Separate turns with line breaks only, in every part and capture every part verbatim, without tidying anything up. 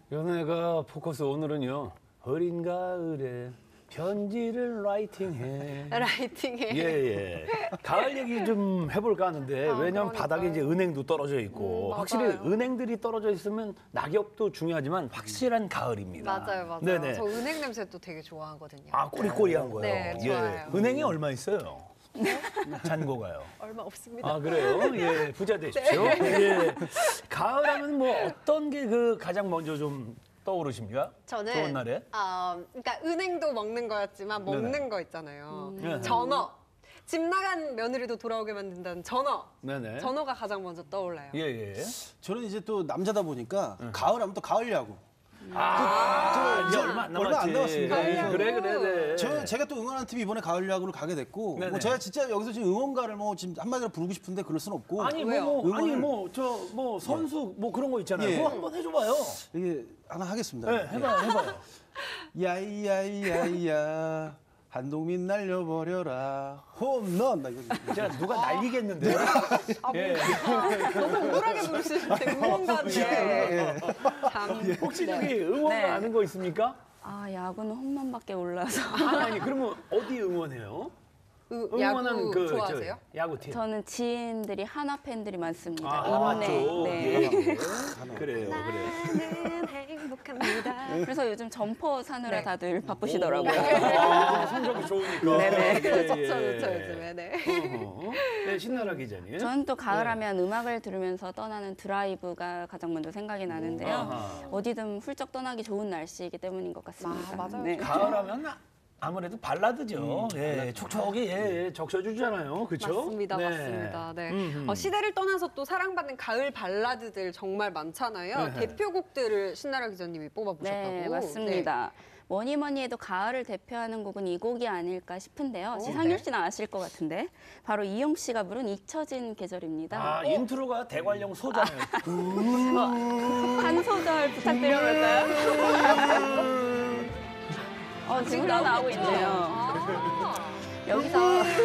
연애가 포커스 오늘은요. 어린 가을에 편지를 라이팅해.
라이팅해.
예, 예. 가을 얘기 좀 해볼까 하는데,
아,
왜냐면
그러니까요.
바닥에 이제 은행도 떨어져 있고,
음,
확실히
맞아요.
은행들이 떨어져 있으면 낙엽도 중요하지만 확실한 가을입니다.
맞아요, 맞아요.
네네.
저 은행 냄새도 되게 좋아하거든요.
아, 꼬리꼬리한 거요?
네, 좋아요.
예. 은행이 얼마 있어요? 잔고가요.
얼마 없습니다.
아, 그래요? 예, 부자 되십시오. 예. 가을 하면 뭐 어떤 게 그 가장 먼저 좀 떠오르십니까?
저는
좋은 날에?
아, 그러니까 은행도 먹는 거였지만 먹는
네네.
거 있잖아요.
네.
전어. 집 나간 며느리도 돌아오게 만든다는 전어.
네네.
전어가 가장 먼저 떠올라요.
예, 예.
저는 이제 또 남자다 보니까 가을 하면 또 가을 야구.
아, 이제
저
얼마 안
얼마
남았지.
안 남았습니다.
그래,
가을
그래,
야구.
그래. 네.
저 제가 또 응원하는 팀이 이번에 가을 야구를 가게 됐고,
네네.
뭐 제가 진짜 여기서 지금 응원가를 뭐 지금 한마디로 부르고 싶은데 그럴 수는 없고,
아니
왜요?
뭐, 뭐 아니
응원을-
뭐 저 뭐 선수 뭐 그런 거 있잖아요.
예.
그거 한번 해줘봐요.
이게 하나 하겠습니다.
네, 해봐요, 해봐요.
야이야이야이야 한동민 날려버려라 홈런. 나 이거
제가 누가 날리겠는데요?
아,
예.
너무 우울하게 부르시는데 응원가인데.
예.
참.
혹시
네.
저기 응원
네.
아는 거 있습니까?
아, 야구는 홈런밖에 몰라서.
아니, 아니 그러면 어디 응원해요?
으,
응원하는
야구
그
좋아하세요?
저, 야구팀.
저는 지인들이 하나 팬들이 많습니다.
아, 하나
네,
쪽.
네.
예, 예. 그래요, 그래요.
나는 행복합니다.
그래서 요즘 점퍼 사느라 다들 바쁘시더라고요.
아, 성적이 좋으니까.
네네.
예,
좋죠,
예.
좋죠, 요즘에. 네.
어허. 네, 신나라 기자님.
저는 또 가을하면 음악을 들으면서 떠나는 드라이브가 가장 먼저 생각이 나는데요.
아하.
어디든 훌쩍 떠나기 좋은 날씨이기 때문인 것 같습니다.
아, 맞아요.
네.
가을하면 아무래도 발라드죠. 예, 촉촉이 예, 예, 적셔주잖아요. 그렇죠?
맞습니다, 맞습니다. 네.
음흠.
어, 시대를 떠나서 또 사랑받는 가을 발라드들 정말 많잖아요.
네.
대표곡들을 신나라 기자님이 뽑아보셨다고.
네, 맞습니다. 뭐니 뭐니 해도 가을을 대표하는 곡은 이 곡이 아닐까 싶은데요.
오,
지상률
네.
씨는 아실 것 같은데 바로 이용 씨가 부른 잊혀진 계절입니다.
아, 인트로가 대관령 소잖아요.
한 소절 부탁드려볼까요? 어, 지금 흘러나오고 있네요.
아,
여기서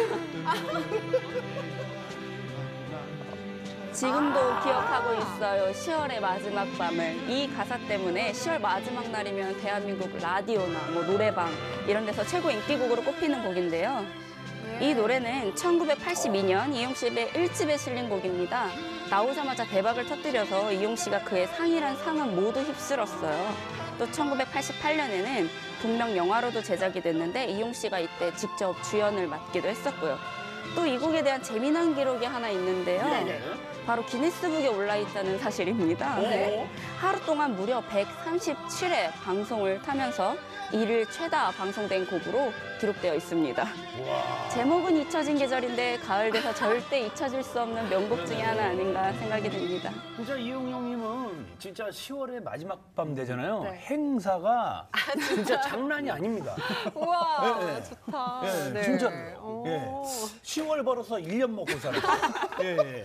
지금도 기억하고 있어요. 시월의 마지막 밤을. 이 가사 때문에 시월 마지막 날이면 대한민국 라디오나 뭐 노래방 이런 데서 최고 인기곡으로 꼽히는 곡인데요. 이 노래는 천구백팔십이 년 이용 씨의 일 집에 실린 곡입니다. 나오자마자 대박을 터뜨려서 이용 씨가 그의 상이란 상은 모두 휩쓸었어요. 또 천구백팔십팔 년에는 분명 영화로도 제작이 됐는데 이용 씨가 이때 직접 주연을 맡기도 했었고요. 또 이 곡에 대한 재미난 기록이 하나 있는데요.
네네.
바로 기네스북에 올라있다는 사실입니다.
네.
하루 동안 무려 백삼십칠 회 방송을 타면서 일일 최다 방송된 곡으로 기록되어 있습니다.
와.
제목은 잊혀진 계절인데 가을 돼서 절대 잊혀질 수 없는 명곡 중에 하나 아닌가 생각이 듭니다.
진짜 이용 형님은 진짜 시월의 마지막 밤 되잖아요.
네.
행사가 진짜 장난이 아닙니다.
우와,
네, 네.
좋다.
예,
네.
진짜로.
오.
예. 시월 벌어서 일 년 먹고 살아요. 예, 예.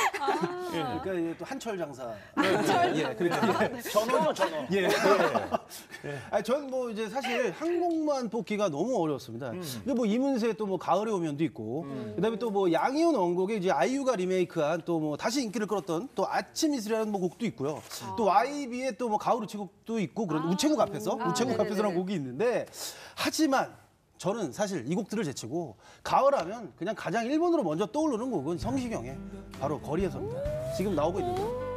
그러니까 이게 또 한철 장사.
한철
예, 그러니까
전어죠, 전어.
예. 예. 아니, 전 뭐 이제 사실 한 곡만 뽑기가 너무 어려웠습니다. 근데 뭐 이문세 또 뭐 가을에 오면도 있고, 그다음에 또 뭐 양희은 원곡에 이제 아이유가 리메이크한 또 뭐 다시 인기를 끌었던 또 아침 이슬이라는 뭐 곡도 있고요. 또 와이비의 또 뭐 가을 우체국도 있고 그런 우체국 앞에서
아,
우체국
네네네.
앞에서라는 곡이 있는데 하지만 저는 사실 이 곡들을 제치고 가을하면 그냥 가장 일 번으로 먼저 떠오르는 곡은 성시경의 바로 거리에서입니다. 지금 나오고 있는 거.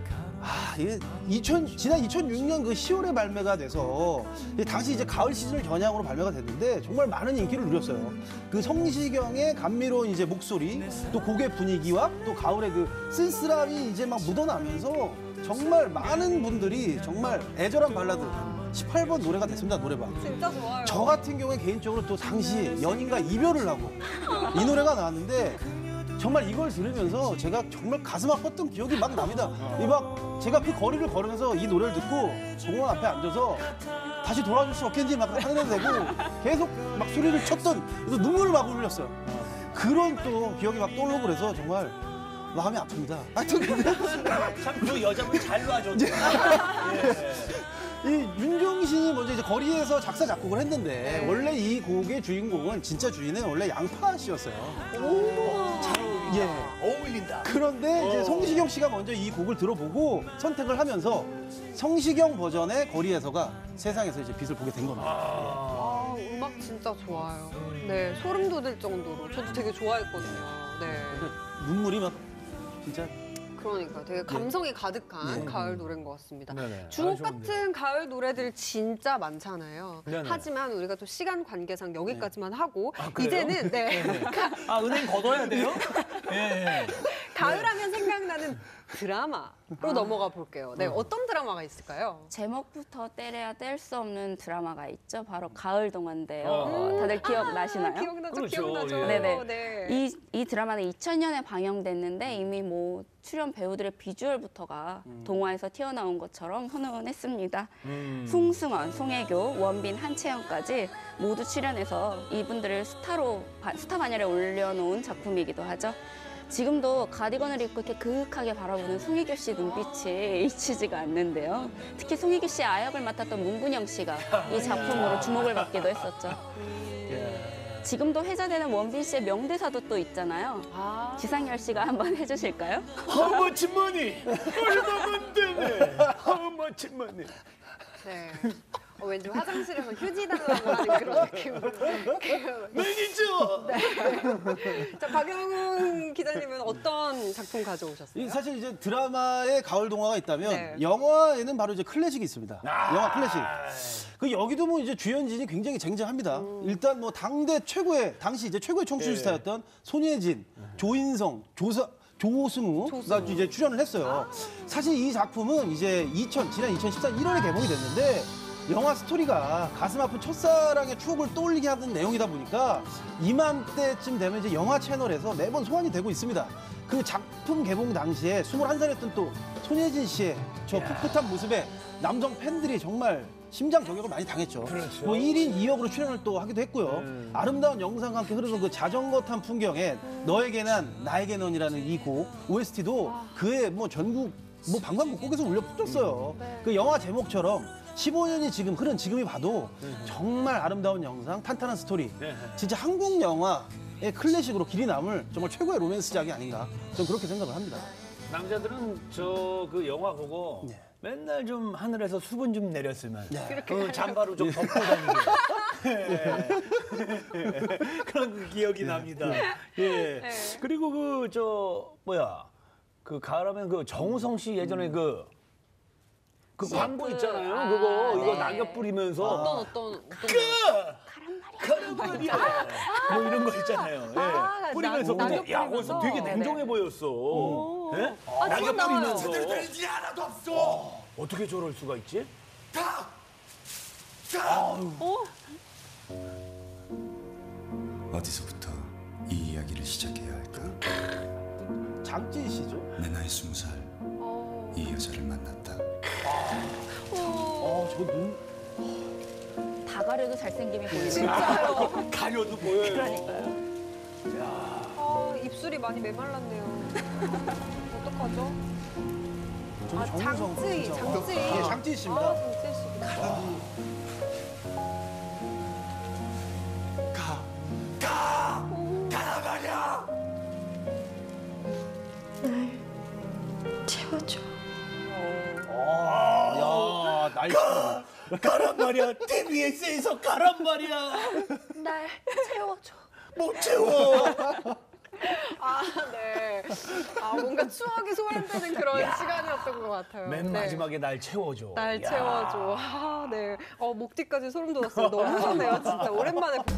아, 이게 이천, 지난 이천육 년 그 시월에 발매가 돼서 이게 당시 이제 가을 시즌을 겨냥으로 발매가 됐는데 정말 많은 인기를 누렸어요. 그 성시경의 감미로운 이제 목소리, 또 곡의 분위기와 또 가을의 그 쓸쓸함이 이제 막 묻어나면서 정말 많은 분들이 정말 애절한 발라드 십팔 번 노래가 됐습니다, 노래방.
진짜 좋아요.
저 같은 경우에 개인적으로 또 당시 연인과 이별을 하고 이 노래가 나왔는데 정말 이걸 들으면서 제가 정말 가슴 아팠던 기억이 막 납니다. 이 막 제가 그 거리를 걸으면서 이 노래를 듣고 공원 앞에 앉아서 다시 돌아줄 수 없겠니 막 하늘에 대고 계속 막 소리를 쳤던 그래서 눈물을 막 흘렸어요. 그런 또 기억이 막 떠오르고 그래서 정말 마음이 아픕니다. 하여튼 근데
참 그 여자분 잘 놔줬네.
이 윤종신이 먼저 이제 거리에서 작사 작곡을 했는데 원래 이 곡의 주인공은 진짜 주인은 원래 양파 씨였어요.
잘 어울리네.
예.
어울린다.
그런데 이제
어.
성시경 씨가 먼저 이 곡을 들어보고 선택을 하면서 성시경 버전의 거리에서가 세상에서 이제 빛을 보게 된 겁니다.
아, 음악 진짜 좋아요. 네, 소름 돋을 정도로. 저도 되게 좋아했거든요. 네.
근데 눈물이 막 진짜
그러니까 되게 감성이 가득한
네.
가을 노래인 것 같습니다.
네네.
주옥
아, 좋은데.
같은 가을 노래들 진짜 많잖아요.
네네.
하지만 우리가 또 시간 관계상 여기까지만 하고
아, 그래요?
이제는 네.
아, 은행 걷어야 돼요? 예. 예.
가을하면 생각나는 드라마로 넘어가 볼게요. 네, 어떤 드라마가 있을까요?
제목부터 때려야 뗄 수 없는 드라마가 있죠. 바로 가을 동화인데요.
어.
다들 기억나시나요?
아, 기억나죠,
그렇죠.
기억나죠.
예.
네네.
네.
이, 이 드라마는 이천 년에 방영됐는데 이미 뭐 출연 배우들의 비주얼부터가 동화에서 튀어나온 것처럼 훈훈했습니다.
음.
송승헌, 송혜교, 원빈, 한채영까지 모두 출연해서 이분들을 스타로 바- 스타 반열에 올려놓은 작품이기도 하죠. 지금도 가디건을 입고 이렇게 그윽하게 바라보는 송혜교 씨 눈빛이 잊히지가 않는데요. 특히 송혜교 씨의 아역을 맡았던 문근영 씨가 이 작품으로 주목을 받기도 했었죠. 지금도 회자되는 원빈 씨의 명대사도 또 있잖아요.
아,
지상열 씨가 한번 해주실까요?
How much money? 얼마면 되네? How much money?
네. 어, 왠지 화장실에서 휴지 달라고 하는 그런 느낌으로.
매니저!
자, 박영훈 기자님은 어떤 작품 가져오셨어요?
이 사실 이제 드라마에 가을 동화가 있다면
네.
영화에는 바로 이제 클래식이 있습니다.
아.
영화 클래식. 그 여기도 뭐 이제 주연진이 굉장히 쟁쟁합니다.
음.
일단 뭐 당대 최고의 당시 이제 최고의 청춘
예.
스타였던 손예진, 조인성, 조사 조승우가
조승우.
이제 출연을 했어요. 사실 이 작품은 이제 이천 지난 이천십사 일월에 개봉이 됐는데 영화 스토리가 가슴 아픈 첫사랑의 추억을 떠올리게 하는 내용이다 보니까 이맘때쯤 되면 이제 영화 채널에서 매번 소환이 되고 있습니다. 그 작품 개봉 당시에 스물한 살이었던 또 손예진 씨의 저 풋풋한 모습에 남성 팬들이 정말 심장 저격을 많이 당했죠.
그렇죠.
뭐 일 인 이 역으로 출연을 또 하기도 했고요.
음.
아름다운 영상과 함께 흐르는 그 자전거 탄 풍경에 너에게 난 나에게 넌이라는 이 곡 오에스티도 그의 뭐 전국 뭐 방방곡곡에서 울려 퍼졌어요.
네.
그 영화 제목처럼 십오 년이 지금 흐른 지금이 봐도 정말 아름다운 영상, 탄탄한 스토리.
네.
진짜 한국 영화의 클래식으로 길이 남을 정말 최고의 로맨스작이 아닌가. 저는 그렇게 생각을 합니다.
남자들은 저 그 영화 보고
네.
맨날 좀 하늘에서 수분 좀 내렸으면
네.
어, 잠바로 좀 덮고 다니게 예. 그런 그 기억이 납니다. 예.
네.
그리고 그 저 뭐야 그 가을하면 그 정우성 씨 예전에 그 그 광고 있잖아요.
아,
그거 이거
네.
낙엽 뿌리면서
어떤 어떤 어떤
가란 말이야. 뭐 이런 거 있잖아요. 예.
아,
뿌리면서
낙-
근데
낙엽
야 거기서
뿌리면서.
되게
네네.
냉정해 보였어. 예?
아,
낙엽
지금 나와요.
뿌리면서
되지 하나도 없어.
어떻게 저럴 수가 있지?
다. 다.
어?
어디서부터 이 이야기를 시작해야 할까?
장진 씨죠.
내 나이 스무 살
어.
이 여자를 만났다.
어, 저 눈.
다 가려도 잘생김이 보이는
진짜요.
가려도 보여요.
그러니까요.
아, 입술이 많이 메말랐네요. 어떡하죠?
저는
아,
정우성
장쯔이,
진짜.
장쯔이.
예, 장쯔이 씨입니다.
아, 장쯔이 씨.
가. 가. 가라 말이야.
채워줘.
야, 날씨.
가란 말이야. 티비에스에서 가란 말이야.
날 채워줘.
못 채워.
아, 네. 아, 뭔가 추억이 소환되는 그런 시간이었던 것 같아요.
맨
네.
마지막에 날 채워줘.
날
야.
채워줘. 아, 네. 어, 목 뒤까지 소름 돋았어요. 너무 좋네요, 진짜. 오랜만에